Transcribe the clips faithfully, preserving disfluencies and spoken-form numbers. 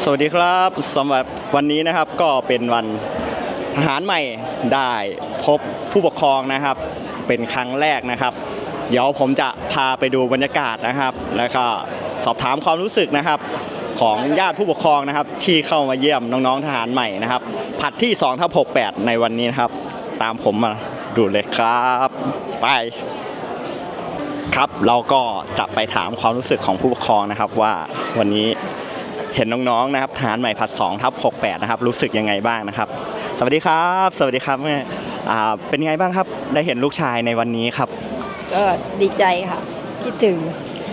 สวัสดีครับสำหรับวันนี้นะครับก็เป็นวันทหารใหม่ได้พบผู้ปกครองนะครับเป็นครั้งแรกนะครับเดี๋ยวผมจะพาไปดูบรรยากาศนะครับแล้วก็สอบถามความรู้สึกนะครับของญาติผู้ปกครองนะครับที่เข้ามาเยี่ยมน้องๆทหารใหม่นะครับผัดที่สองทับหกแปดในวันนี้นะครับตามผมมาดูเลยครับไปครับเราก็จะไปถามความรู้สึกของผู้ปกครองนะครับว่าวันนี้เห็นน้องๆนะครับทหารใหม่ผัดสองทับหกแปดนะครับรู้สึกยังไงบ้างนะครับสวัสดีครับสวัสดีครับแม่อ่าเป็นไงบ้างครับได้เห็นลูกชายในวันนี้ครับก็ดีใจค่ะคิดถึง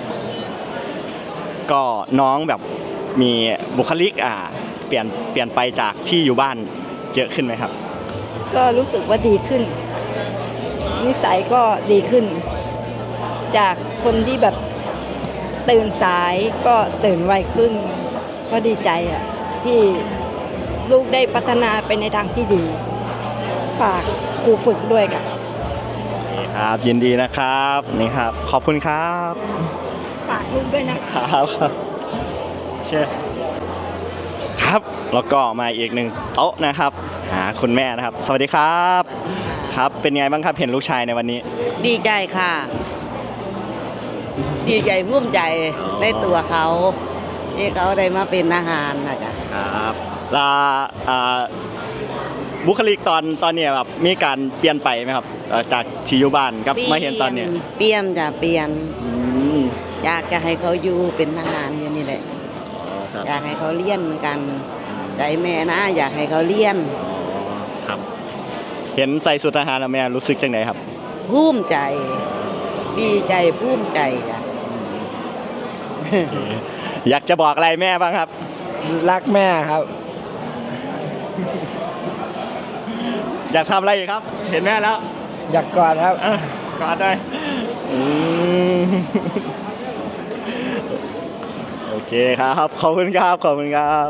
ก็น้องแบบมีบุคลิกอ่าเปลี่ยนเปลี่ยนไปจากที่อยู่บ้านเยอะขึ้นไหมครับก็รู้สึกว่าดีขึ้นนิสัยก็ดีขึ้นจากคนที่แบบตื่นสายก็ตื่นไวขึ้นก็ดีใจอ่ะที่ลูกได้พัฒนาไปในทางที่ดีฝากครูฝึกด้วยค่ะนี่ครับยินดีนะครับนี่ครับขอบคุณครับฝากลูกด้วยนะครับเช่ครับแล้วก็มาอีกหนึ่งโต๊ะนะครับหาคุณแม่นะครับสวัสดีครับครับเป็นไงบ้างครับเห็นลูกชายในวันนี้ดีใจค่ะดีใจภูมิใจในตัวเขาที่เขาได้มาเป็นทหารนะจ๊ะครับแล้วบุคลิกตอนตอนนี้แบบมีการเปลี่ยนไปไหมครับจากที่อยู่บ้านกับมาเห็นตอนนี้เปลี่ยนจ้ะเปลี่ยนอยากจะให้เขาอยู่เป็นทหารอยู่นี่แหละอยากให้เขาเรียนเหมือนกันใจแม่นะอยากให้เขาเรียนครับเห็นใส่สุดทหารแล้วแม่รู้สึกจังไหนครับภูมิใจดีใจภูมิใจจ้ะอยากจะบอกอะไรแม่บ้างครับรักแม่ครับอยากทำอะไรอีกครับเห็นแม่แล้วอยากกอดครับกอดได้โอเคครับขอบคุณครับขอบคุณครับ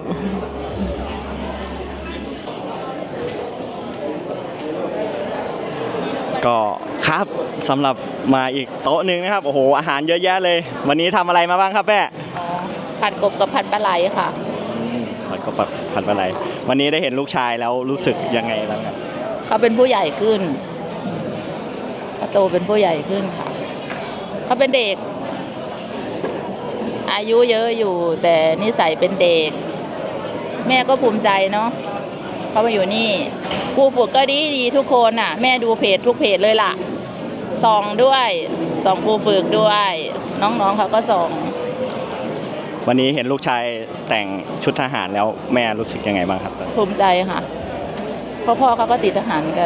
ก็ครับสำหรับมาอีกโต๊ะหนึ่งนะครับโอ้โหอาหารเยอะแยะเลยวันนี้ทำอะไรมาบ้างครับแม่ผัดกบกับผัดปลาไหลค่ะผัดกบกับผัดปลาไหลวันนี้ได้เห็นลูกชายแล้วรู้สึกยังไงบ้างครับเขาเป็นผู้ใหญ่ขึ้นเขาโตเป็นผู้ใหญ่ขึ้นค่ะเขาเป็นเด็กอายุเยอะอยู่แต่นิสัยเป็นเด็กแม่ก็ภูมิใจเนาะเขามาอยู่นี่ครูฝึกก็ดีดีทุกคนน่ะแม่ดูเพจทุกเพจเลยล่ะส่องด้วยส่องครูฝึกด้วยน้องๆเขาก็ส่องวันนี้เห็นลูกชายแต่งชุดทหารแล้วแม่รู้สึกยังไงบ้างครับภูมิใจค่ะพ่อพ่อเขาก็ติดทหารกัน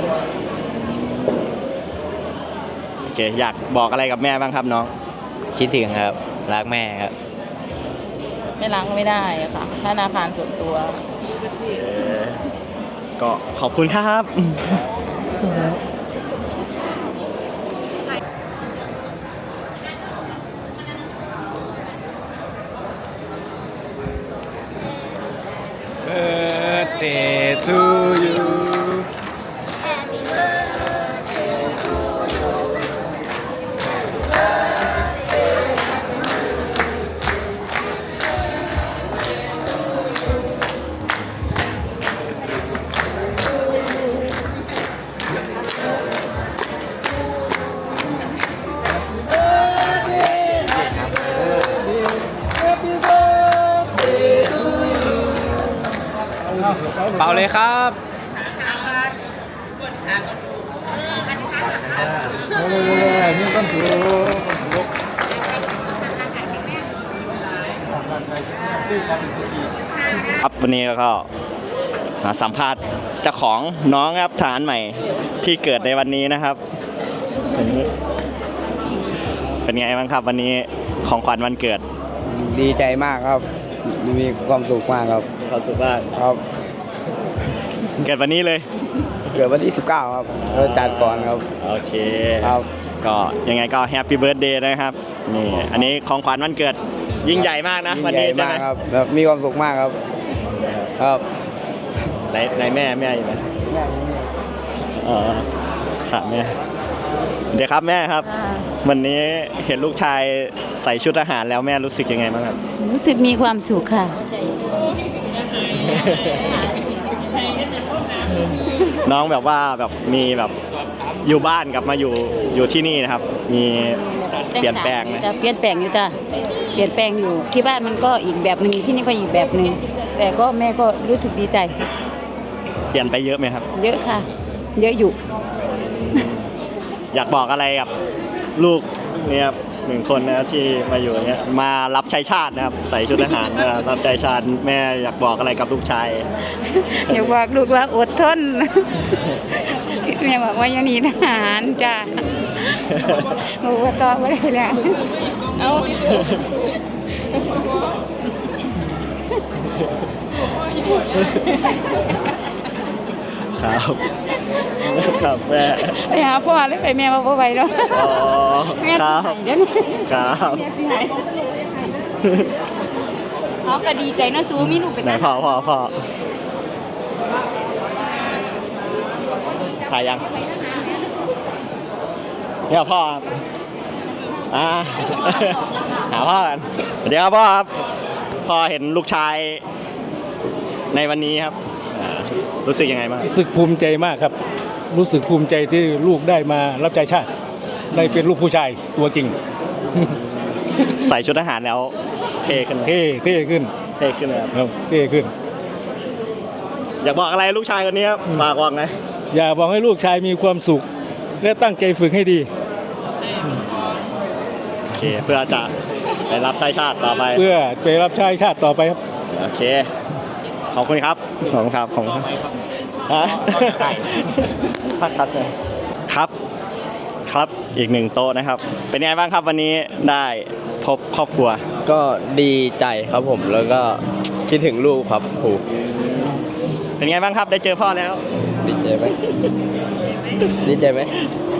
โอเคอยากบอกอะไรกับแม่บ้างครับน้องคิดถึงครับรักแม่ครับไม่รักไม่ได้ค่ะธนาคารส่วนตัวก็ขอบคุณครับ Birthday to you Happy birthday to you Happy birthday to you เป่าเลยครับนี่ต้นถูครับวันนี้ก็สัมภาษณ์เจ้าของน้องครับทหารใหม่ที่เกิดในวันนี้นะครับเป็นไงบ้างครับวันนี้ของขวัญวันเกิดดีใจมากครับมีความสุขมากครับความสุขมากครับเกิดวันนี้เลยเกิดวันที่สิบเก้าครับเราจัดก่อนครับโอเคครับก็ยังไงก็แฮปปี้เบิร์ธเดย์นะครับนี่อันนี้ของขวัญวันเกิดยิ่งใหญ่มากนะวันนี้ใช่ไหมครับมีความสุขมากครับครับไหนไหนแม่แม่อยู่ไหมแม่อ๋อครับแม่เดี๋ยวครับแม่ครับวันนี้เห็นลูกชายใส่ชุดทหารแล้วแม่รู้สึกยังไงบ้างครับรู้สึกมีความสุขค่ะน้องแบบว่าแบบมีแบบอยู่บ้านกับมาอยู่อยู่ที่นี่นะครับ มีเปลี่ยนแปลงไหมจะเปลี่ยนแปลงอยู่จ้ะเปลี่ยนแปลงอยู่ที่บ้านมันก็อีกแบบหนึ่งที่นี่ก็อีกแบบหนึ่งแต่ก็แม่ก็รู้สึกดีใจเปลี่ยนไปเยอะไหมครับเยอะค่ะ เยอะอยู่อยากบอกอะไรกับลูกเนี่ยครับหนึ่งคนนะครับที่มาอยู่เนี่ยมารับใช้ชาตินะครับใส่ชุดทหารมารับใช้ชาติแม่อยากบอกอะไรกับลูกชายอย่าบอกลูกว่าอดทน แม่บอกว่าอยังหนีทหารจ้ะบอกว่าต่อไม่ได้แล้วเอาครับครับแม่ไปหาพ่อเลยไปแม่มาพ่อไปเนาะอ๋อแม่คที่รับไหนเดี๋ยวนี้ครับเขาก็ดีใจเนาะซูมีลูกเป็นไหนพ่อพ่อพ่อถ่ายยังเนี่ยพ่อครับอ่าหาพ่อกันเดี๋ยวครับพ่อครับพ่อเห็นลูกชายในวันนี้ครับอ่ารู้สึกยังไงบ้างรู้สึกภูมิใจมากครับ รู้สึกภูมิใจที่ลูกได้มารับใช้ชาติ ได้เป็นลูกผู้ชายตัวจริงใส่ชุดทหารแล้วเท่ขึ้นไหมเท่เท่ขึ้นเท่ขึ้นเลยครับครับเท่ขึ้นอยากบอกอะไรลูกชายคนนี้ครับฝากบอกหน่อยอย่าบอกให้ลูกชายมีความสุข และตั้งใจฝึกให้ดีโอเคเพื่อจะไปรับใช้ชาติต่อไปเพื่อไปรับใช้ชาติต่อไปครับโอเค ขอบคุณครับ ขอบคุณครับ ขอบคุณครับฮะพักคัดเลยครับ ครับ อีกหนึ่งโต๊ะนะครับ เป็นไงบ้างครับวันนี้ได้พบครอบครัวก็ดีใจครับผมแล้วก็คิดถึงลูกครับโหเป็นไงบ้างครับ ได้เจอพ่อแล้วดีใจไหมดีใจไหม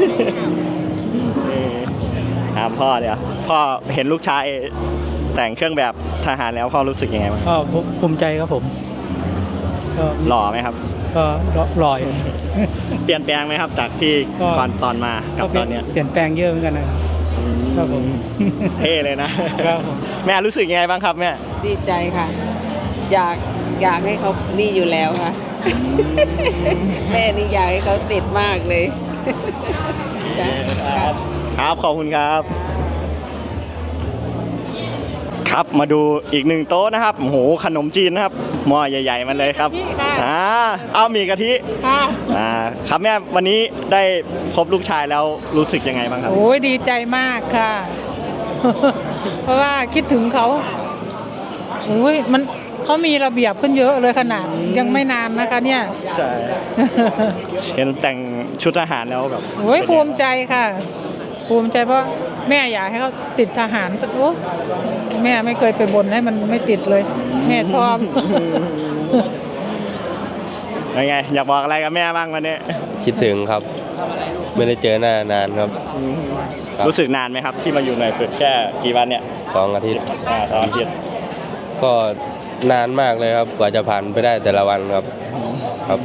นี่ถามพ่อเดี๋ยว พ่อเห็นลูกชายแต่งเครื่องแบบทหารแล้วพ่อรู้สึกยังไงบ้างก็ภูมิใจครับผมก็หล่อไหมครับก็ลอยเปลี่ยนแปลงไหมครับ จากที่ก็ก่อนตอนมากับตอนเนี้ยเปลี่ยนแปลงเยอะเหมือนกันนะครับผมเท่เลยนะครับผมแม่รู้สึกยังไงบ้างครับแม่ดีใจค่ะ อยากอยากให้เขานี่อยู่แล้วค่ะ แม่นี่อยากให้เขาติดมากเลย จ้ะค่ะครับ ขอบคุณครับ ครับมาดูอีกหนึ่งโต๊ะนะครับโอ้โหขนมจีนนะครับหม้อใหญ่ๆมาเลยครับอ่าเอามีกะทิอ่าครับแม่วันนี้ได้พบลูกชายแล้วรู้สึกยังไงบ้างครับโอ้ยดีใจมากค่ะ เพราะว่าคิดถึงเขาโอ้ยมันเขามีระเบียบขึ้นเยอะเลยขนาดยังไม่นานนะคะเนี่ยใช่ เห็นแต่งชุดทหารแล้วแบบโอ้ยภูมิใจค่ะ ภูมิใจเพราะแม่อยากให้เขาติดทหารโอ้แม่ไม่เคยไปบ่นให้มันไม่ติดเลย แม่ชอบยังไงอยากบอกอะไรกับแม่บ้างวันนี้คิดถึงครับ ไม่ได้เจอหน้านานครับ ครับรู้สึกนานไหมครับ ที่มาอยู่หน่วยฝึกแค่กี่วันเนี่ยสองอาทิตย์อ่าสองอาทิตย์ก็นานมากเลยครับกว่าจะผ่านไปได้แต่ละวันครับครับ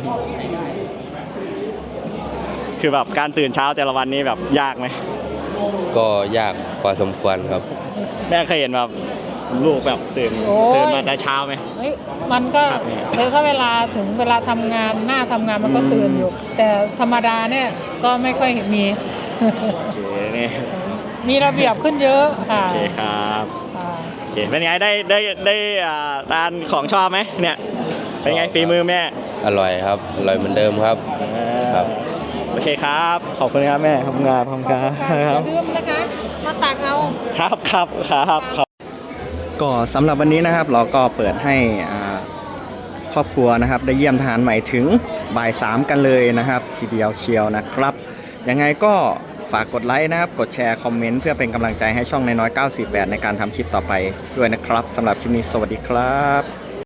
คือแบบการตื่นเช้าแต่ละวันนี้แบบยากไหมก็ยากพอสมควรครับแม่เคยเห็นแบบลูกแบบตื่นโอ้ยตื่นมาแต่เช้าไหมเฮ้ยมันก็ครับเนี่ยคือถ้าเวลาถึงเวลาทำงานหน้าทำงานมันก็ตื่นอยู่ แต่ธรรมดาเนี่ยก็ไม่ค่อยมีโอเคนี่มีระเบียบขึ้นเยอะค่ะโอเคครับค่ะโอเคเป็นไงได้ได้ได้อ่าทานของชอบไหมเนี่ยเป็นไงชอบครับฝีมือแม่อร่อยครับอร่อยเหมือนเดิมครับ ครับโอเคครับขอบคุณครับแม่ขอบคุณครับขอบคุณครับอย่าลืมนะคะ มาตักเอาครับครับครับครับก็สำหรับวันนี้นะครับเราก็เปิดให้อ่าครอบครัวนะครับ ได้เยี่ยมทหารใหม่ถึงบ่ายสามกันเลยนะครับ ทีเดียวเชียวนะครับยังไงก็ฝากกดไลค์นะครับ กดแชร์คอมเมนต์เพื่อเป็นกำลังใจให้ช่องน้อยๆเก้าสี่แปดในการทำคลิปต่อไปด้วยนะครับสำหรับคลิปนี้สวัสดีครับ